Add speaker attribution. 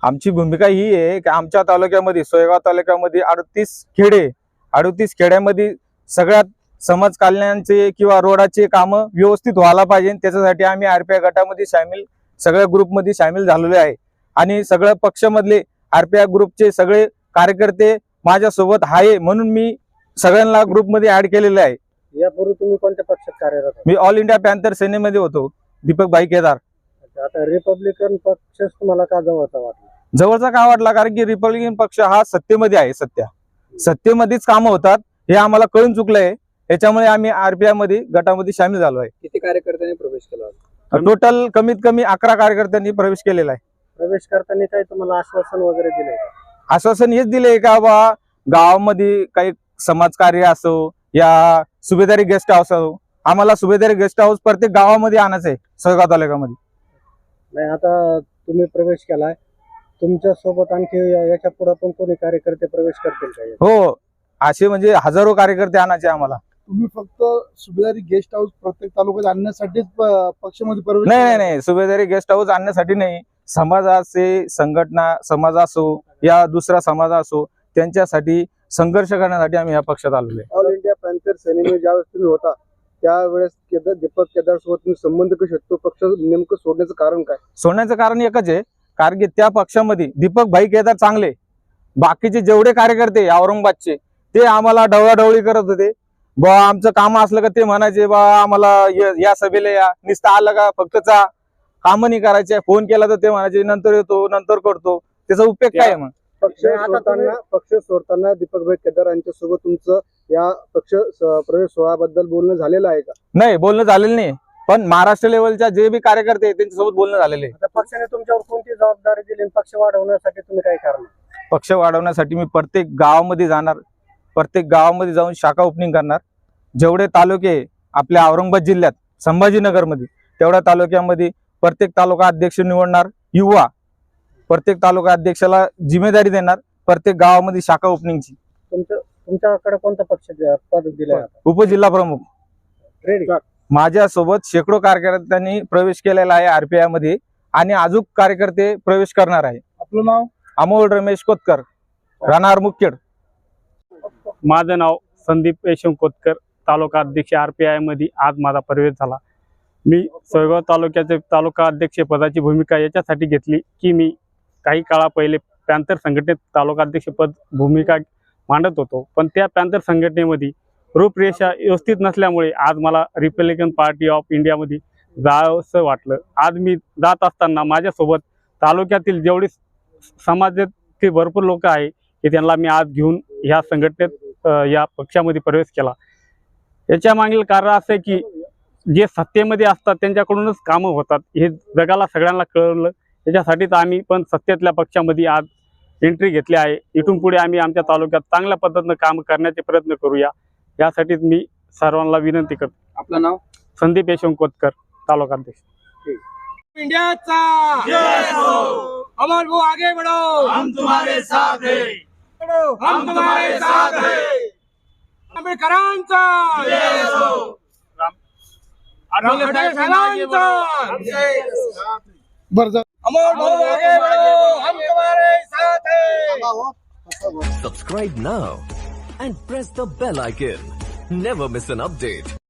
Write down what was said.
Speaker 1: आमची भूमिका ही आहे की आमच्या तालुक्यामध्ये सोयगाव तालुक्यामध्ये 38 खेड्यामध्ये सगळ्यात समाज कल्याणचे किंवा रोडाचे कामं व्यवस्थित व्हायला पाहिजे। त्याच्यासाठी आम्ही आरपीआय गटामध्ये सगळ्या ग्रुपमध्ये सामील झालेलो आहे आणि सगळ्या पक्षामधले आरपीआय ग्रुपचे सगळे कार्यकर्ते माझ्यासोबत आहे, म्हणून मी सगळ्यांना ग्रुपमध्ये ऍड केलेले आहे।
Speaker 2: यापूर्वी तुम्ही कोणत्या पक्षात कार्यरत आहे?
Speaker 1: मी ऑल इंडिया पॅन्थर सेनेमध्ये होतो, दीपक भाई केदार।
Speaker 2: आता रिपब्लिकन पक्षच तुम्हाला का जवळचा वाटला?
Speaker 1: जवळचा का वाटला? कारण की रिपब्लिकन पक्ष हा सत्तेमध्ये आहे, सत्तेमध्येच कामं होतात हे आम्हाला कळून चुकलंय। त्याच्यामुळे आम्ही आरपीआय मध्ये गटामध्ये सामील झालो आहे।
Speaker 3: किती कार्यकर्त्यांनी प्रवेश केला?
Speaker 1: टोटल कमीत कमी 11 कार्यकर्त्यांनी प्रवेश केलेला आहे।
Speaker 2: प्रवेश करताना काही तुम्हाला आश्वासन वगैरे दिलंय का?
Speaker 1: आश्वासन हेच दिले का बा गावामध्ये काही समाजकार्य असो या सुभेदारी गेस्ट हाऊस असो, आम्हाला सुभेदारी गेस्ट हाऊस प्रत्येक गावामध्ये आणायचं आहे सोयगाव तालुक्यामध्ये।
Speaker 2: नाही, आता तुम्ही प्रवेश केलाय, तुमच्या सोबत आणखी याच्या पुढे पण कोणी कार्यकर्ते प्रवेश करतील का?
Speaker 1: हो, असे म्हणजे हजारो कार्यकर्ते आणायचे आम्हाला।
Speaker 4: तुम्ही फक्त सुभेदारी गेस्ट हाऊस प्रत्येक तालुक्यात आणण्यासाठीच पक्षामध्ये प्रवेश?
Speaker 1: नाही, सुभेदारी गेस्ट हाऊस आणण्यासाठी नाही, समाजाचे संघटना समाज असो या दुसरा समाज असो त्यांच्यासाठी संघर्ष करण्यासाठी आम्ही या पक्षात आलेलो आहे।
Speaker 2: ऑल इंडिया पॅन्थर सेनेमध्ये ज्यावेळेस तुम्ही होता त्यावेळेस दीपक केदार सोबत तुम्ही संबंध कसे तो पक्ष नेमकं सोडण्याचं कारण काय?
Speaker 1: सोडण्याचं कारण एकच आहे, कारण की त्या पक्षामध्ये दीपक भाई केदार चांगले, बाकीचे जेवढे कार्यकर्ते औरंगाबादचे ते आम्हाला ढवळाढवळी करत होते। बा आमचं काम असलं का ते म्हणायचे बा आम्हाला या सभेला या, नुसतं आलं का फक्त काम नाही करायचे, फोन केला तर ते म्हणायचे नंतर येतो नंतर करतो, त्याचा उपयोग काय मग?
Speaker 2: पक्ष सोडताना दीपक भाई केदार यांच्या सोबत तुमचं या पक्ष प्रवेश सोहळ्याबद्दल बोलणं झालेलं आहे का?
Speaker 1: नाही, बोलणं झालेलं नाही, पण महाराष्ट्र लेवलच्या जे बी कार्यकर्ते आहेत त्यांच्यासोबत बोलणं झालेले आहे।
Speaker 2: पक्षाने तुमच्यावर कोणती जबाबदारी दिली? पक्ष वाढवण्यासाठी तुम्ही काय करणार?
Speaker 1: पक्ष वाढवण्यासाठी मी प्रत्येक गावामध्ये जाणार, प्रत्येक गावामध्ये जाऊन शाखा ओपनिंग करणार। जेवढे तालुके आपल्या औरंगाबाद जिल्ह्यात संभाजीनगरमध्ये तेवढ्या तालुक्यामध्ये प्रत्येक तालुका अध्यक्ष निवडणार, युवा प्रत्येक तालुका अध्यक्षाला जिम्मेदारी देणार, प्रत्येक गावामध्ये शाखा ओपनिंगची।
Speaker 2: तुमच्याकडे कोणता पक्ष पद दिलंय?
Speaker 1: उपजिल्हा प्रमुख।
Speaker 2: रेडी?
Speaker 1: माझ्यासोबत शेकडो कार्यकर्त्यांनी प्रवेश केलेला आहे आरपीआय मध्ये आणि अजून कार्यकर्ते प्रवेश करणार आहे।
Speaker 4: आपलं नाव?
Speaker 1: अमोल रमेश कोतकर, राहणार मुखेड।
Speaker 5: माझं नाव संदीप यशवंत कोतकर, तालुका अध्यक्ष आरपीआय मध्ये आज माझा प्रवेश झाला। मी सोयगाव तालुक्याचे तालुका अध्यक्ष पदाची भूमिका याच्यासाठी घेतली की मी काही काळा पहिले पॅन्थर संघटनेत तालुका अध्यक्ष पद भूमिका मांडत होतो, पण त्या पॅन्थर संघटनेमध्ये रूपरेषा व्यवस्थित नसल्यामुळे आज मला रिपब्लिकन पार्टी ऑफ इंडियामध्ये जावंसं वाटलं। आज मी जात असताना माझ्यासोबत तालुक्यातील जेवढे समाजातील भरपूर लोक आहे की त्यांना मी आज घेऊन ह्या संघटनेत या पक्षामध्ये प्रवेश केला। याच्या मागील कारण असं आहे की जे सत्तेमध्ये असतात त्यांच्याकडूनच कामं होतात हे जगाला सगळ्यांना कळलं। याच्यासाठीच आम्ही पण सत्तेतल्या पक्षामध्ये आज एंट्री घेतली आहे। इथून पुढे आम्ही आमच्या तालुक्यात चांगल्या पद्धतीने काम करण्याचे प्रयत्न करूया, यासाठीच मी सर्वांना विनंती करतो।
Speaker 3: आपलं नाव?
Speaker 5: संदीप यशवंत कोतकर, तालुका अध्यक्ष।
Speaker 6: इंडियाचा अमर वो आगे बढ़ो, हम तुम्हारे साथ हैं, हम तुम्हारे साथ हैं। आंबेडकरांचा अमर वो आगे बढ़ो, हम तुम्हारे साथ हैं।
Speaker 7: Subscribe now and press the bell icon. Never miss an update.